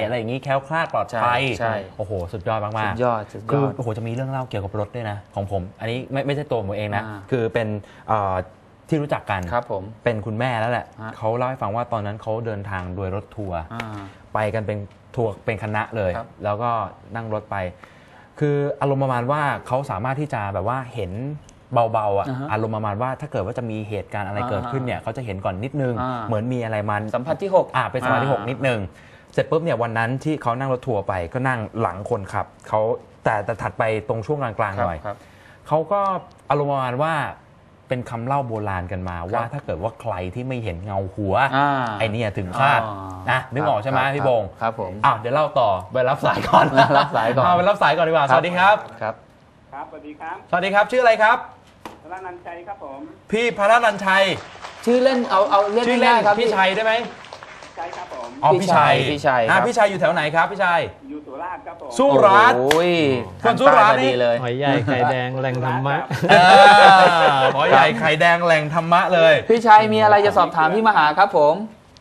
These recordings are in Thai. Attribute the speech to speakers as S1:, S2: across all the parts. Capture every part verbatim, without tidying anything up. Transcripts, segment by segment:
S1: อะไรอย่างนี้แคล้วคลาดปลอดภัยใช่โอ้โหสุดยอดมากๆสุ
S2: ดยอดสุดยอด
S1: คือโอ้โหจะมีเรื่องเล่าเกี่ยวกับรถด้วยนะของผมอันนี้ไม่ไม่ใช่ตัวผมเองนะคือเป็นที่รู้จักกัน
S2: ครับผม
S1: เป็นคุณแม่แล้วแหละเขาเล่าให้ฟังว่าตอนนั้นเขาเดินทางโดยรถทัวร์ไปกันเป็นทัวร์เป็นคณะเลยแล้วก็นั่งรถไปคืออารมณ์ประมาณว่าเขาสามารถที่จะแบบว่าเห็นเบาๆอ่ะอารมณ์ประมาณว่าถ้าเกิดว่าจะมีเหตุการณ์อะไรเกิดขึ้นเนี่ยเขาจะเห็นก่อนนิดนึงเหมือนมีอะไรมัน
S2: สัมผัสที่หก
S1: อ่าเป็นสัมผัสที่หกนิดนึงเสร็จปุ๊บเนี่ยวันนั้นที่เขานั่งรถทัวร์ไปก็นั่งหลังคนขับเขาแต่แต่ถัดไปตรงช่วงกลางๆหน่อยเขาก็อารมณ์ประมาณว่าเป็นคำเล่าโบราณกันมาว่าถ้าเกิดว่าใครที่ไม่เห็นเงาหัวไอ้นี่ถึงคาดนะนึกออกใช่ไหมพี่บง
S2: ครับผม
S1: อ้าวเดี๋ยวเล่าต่อไปรับสายก่อน
S2: รับสายก่อน
S1: เอาไปรับสายก่อนดีกว่าสวัสดีครับ
S2: ครับ
S3: ครับสวัสดีครับ
S1: สวัสดีครับชื่ออะไรครับ
S3: พระนันชัยครับผม
S1: พี่พระนันชัย
S2: ชื่อเล่นเอาเอาเล่น
S1: ชื่อเล่นครับพี่ชัยได้ไหม
S3: ใช่ครับผม
S1: อ๋อพี่ชัย
S2: พี่ชัย
S1: อ่าพี่ชัยอยู่แถวไหนครับพี่ชัย
S3: อยู่สุราษฎร์ครับผม
S1: สุราษฎร์
S2: โอ้ย
S1: คนสุราษฎร์นี่
S2: เลย
S4: หอยใหญ่ไข่แดงแหล่งธรรมะ
S1: หอยใหญ่ไข่แดงแหล่งธรรมะเลย
S2: พี่ชัยมีอะไรจะสอบถามพี่มหาครับผม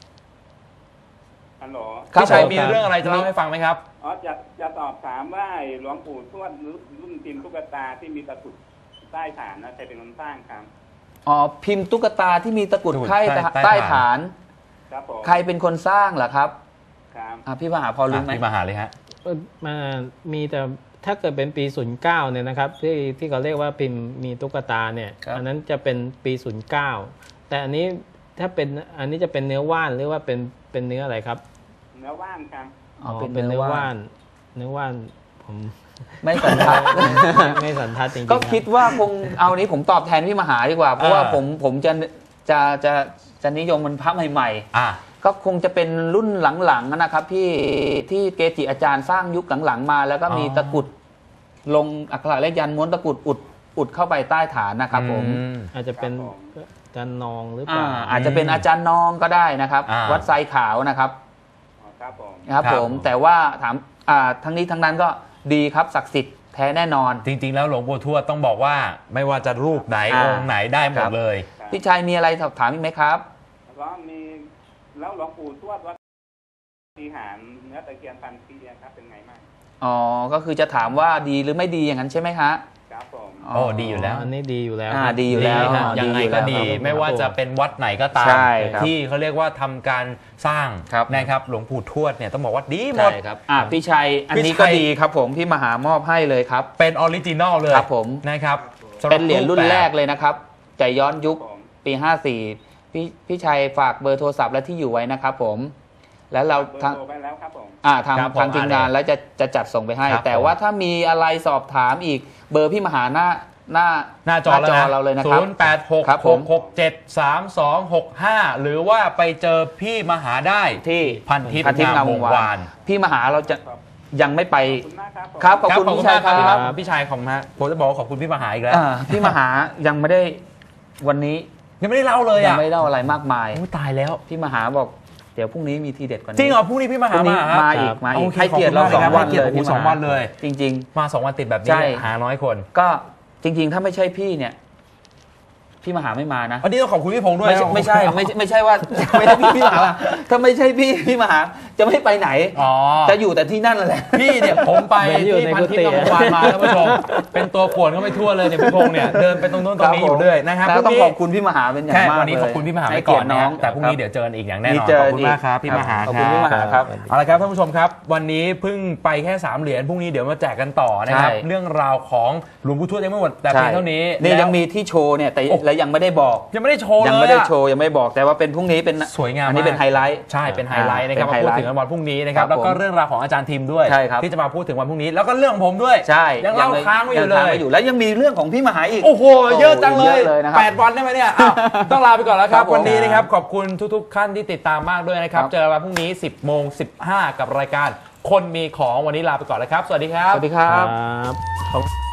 S3: ฮัลโหล
S1: พี่ชัยมีเรื่องอะไรจะเล่าให้ฟังไหมครับ
S3: อ๋อจะจะสอบถามว่าหลวงปู่ทวดรุ่นพิมพ์ตุ๊กตาที่มีตะกรุดใต้ฐานนะใครเป็นคนสร้างครับ
S2: อ๋อพิมพ์ตุ๊กตาที่มีตะกรุดไข่ใต้ฐาน
S3: ครับผม
S2: ใครเป็นคนสร้างล่ะครับ
S3: ครับ
S2: อ่ะพี่มหาพอรู้ไหม
S1: พี่มหาเลยฮะ
S4: มามีแต่ถ้าเกิดเป็นปีศูนย์เก้าเนี่ยนะครับที่ที่เขาเรียกว่าพิมพ์มีตุ๊กตาเนี่ยอันนั้นจะเป็นปีศูนย์เก้าแต่อันนี้ถ้าเป็นอันนี้จะเป็นเนื้อว่านหรือว่าเป็นเป็นเนื้ออะไรครับ
S3: เนื้อว่านครับ
S4: อ๋อเป็นเนื้อว่านเนื้อว่านผม
S2: ไม่สันทัด
S4: ไม่สันทัดจริง
S2: ๆก็คิดว่าคงเอานี้ผมตอบแทนพี่มหาดีกว่าเพราะว่าผมผมจะจะจะจะนิยมมันพระใหม่ๆก็คงจะเป็นรุ่นหลังๆนะครับพี่ที่เกจิอาจารย์สร้างยุคหลังๆมาแล้วก็มีตะกุดลงอักขระเลขยันม้วนตะกุดอุดอุดเข้าไปใต้ฐานนะครับผม
S4: อาจจะเป็นอาจารย์นองหรือเปล่า
S2: อาจจะเป็นอาจารย์นองก็ได้นะครับวัดไซขาวนะครับ
S3: ครับผม
S2: ครับผมแต่ว่าถามทั้งนี้ทั้งนั้นก็ดีครับศักดิ์สิทธิ์แท้แน่นอน
S1: จริงๆแล้วหลวงปู่ทวดต้องบอกว่าไม่ว่าจะรูปไหนองค์ไหนได้หมดเลย
S2: พี่ชัยมีอะไรสอบถามอีกไหมครับ
S3: ก็มีแล้วหลวงปู่ทวดวัดปฏิหารเนื้อตะเคียนพันปีครับเป็นไงบ้าง
S2: อ๋อก็คือจะถามว่าดีหรือไม่ดีอย่างนั้นใช่ไหมคะ
S3: ครับผม
S1: โอ้ดีอยู่แล้ว
S4: อันนี้ดีอยู่แล้ว
S2: อ่าดีอยู่แล้ว
S1: ยังไงก็ดีไม่ว่าจะเป็นวัดไหนก็ตามที่เขาเรียกว่าทำการสร้างนะครับหลวงปู่ทวดเนี่ยต้องบอกว่าดีหมด
S2: ครับอ่าพี่ชัยอันนี้ก็ดีครับผมพี่มหามอบให้เลยครับ
S1: เป็นออริจินอลเลย
S2: ครับผม
S1: นะครับ
S2: เป็นเหรียญรุ่นแรกเลยนะครับใจย้อนยุคปีห้าสี่พี่พี่ชัยฝากเบอร์โทรศัพท์และที่อยู่ไว้นะครับผมแล้วเราทางอ่าทางทางทีมงานแล้วจะจะจัดส่งไปให้แต่ว่าถ้ามีอะไรสอบถามอีกเบอร์พี่มหาหน้าหน้า
S1: หน้าจอเราเลยนะครับศูนย์ แปด หก หก หก เจ็ด สาม สอง หก ห้าหรือว่าไปเจอพี่มหาได้
S2: ที่
S1: พันทิพย์งามวงวาน
S2: พี่มหาเราจะยังไม่ไปครับขอบคุณพี่ชัยครับ
S1: พี่ชัยของนะผมจะบอกขอบคุณพี่มหาอีกแล้ว
S2: พี่มหายังไม่ได้วันนี้
S1: ยังไม่ได้เล่าเลยอ่ะ
S2: ยังไม่ได้เล่าอะไรมากมาย
S1: ตายแล้ว
S2: พี่มหาบอกเดี๋ยวพรุ่งนี้มีทีเด็ดกว่านี้
S1: จริงเหรอพรุ่งนี้พี่มหามา
S2: มาอีกมาอีกให้เกียรติเราสองวันเลย
S1: สองวันเลย
S2: จริง
S1: ๆมาสองวันติดแบบนี้หาน้อยคน
S2: ก็จริงๆถ้าไม่ใช่พี่เนี่ยพี่มหาไม่มานะ
S1: วันนี้ต้องขอบคุณพี่พงษ์ด้วย
S2: ไม่ใช่ไม่ใช่ไม่ใช่ว่าไม่ใช่พี่มหาถ้าไม่ใช่พี่พี่มหาจะไม่ไปไหนจะอยู่แต่ที่นั่นแหละ
S1: พี่เนี่ยผมไปที่พันทิพย์งามวงวานมาท่านผู้ชมเป็นตัวป่วนก็ไม่ทั่วเลยเนี่ยพี่พงษ์เนี่ยเดินไปตรงนู้นตรงนี้อยู่เรื่อยนะครับ
S2: ต้องขอบคุณพี่มหาเป็นอย่างมากเลย
S1: วันนี้ขอบคุณพี่มหาไปก่อนน้องแต่พรุ่งนี้เดี๋ยวเจอกันอีกอย่างแน่นอนขอบคุณมากครับพี่มหา
S2: ขอบคุณพี่มหาครับ
S1: เอาละครับท่านผู้ชมครับวันนี้เพิ่งไปแค่สามเหรียญพรุ่งนี้เดี๋ยวมาแจกกันต่อนะครับเรื่องราวของหลวงปู่ทวดยังไม่หมดแต่เพียงเท่านี้
S2: นี่ยังมีที่โชว์เนี่ยแต่และยังไม่ได้บอก
S1: ยังไม่ได้โชว์
S2: ยังไม่ได้โชว์ยังไม่บอกแต่ว่าเป็นพรุ่งนี้เป็น
S1: สวยงาม
S2: อันนี้เป็นไฮไลท์
S1: ใช่เป็นไฮไลท์นะครับมาพูดถึงวันพรุ่งนี้นะครับแล้วก็เรื่องราวของอาจารย์ทิมด้วยที่จะมาพูดถึงวันพรุ่งนี้แล้วก็เรื่องของผมด้วย
S2: ใช่
S1: ยังเล่าค้างไว้อยู่เลย
S2: แล้วยังมีเรื่องของพี่มหาอีก
S1: โอ้โหเยอะจังเลยแปดวันได้ไหมเนี่ยต้องลาไปก่อนแล้วครับวันนี้นะครับขอบคุณทุกๆท่านที่ติดตามมากด้วยนะครับเจอกันวันพรุ่งนี้สิบโมงสิบห้ากับรายการคนมีของวันนี้ลาไปก่อนแล้วครับสวัสดีครับ
S2: สวัสดีครับ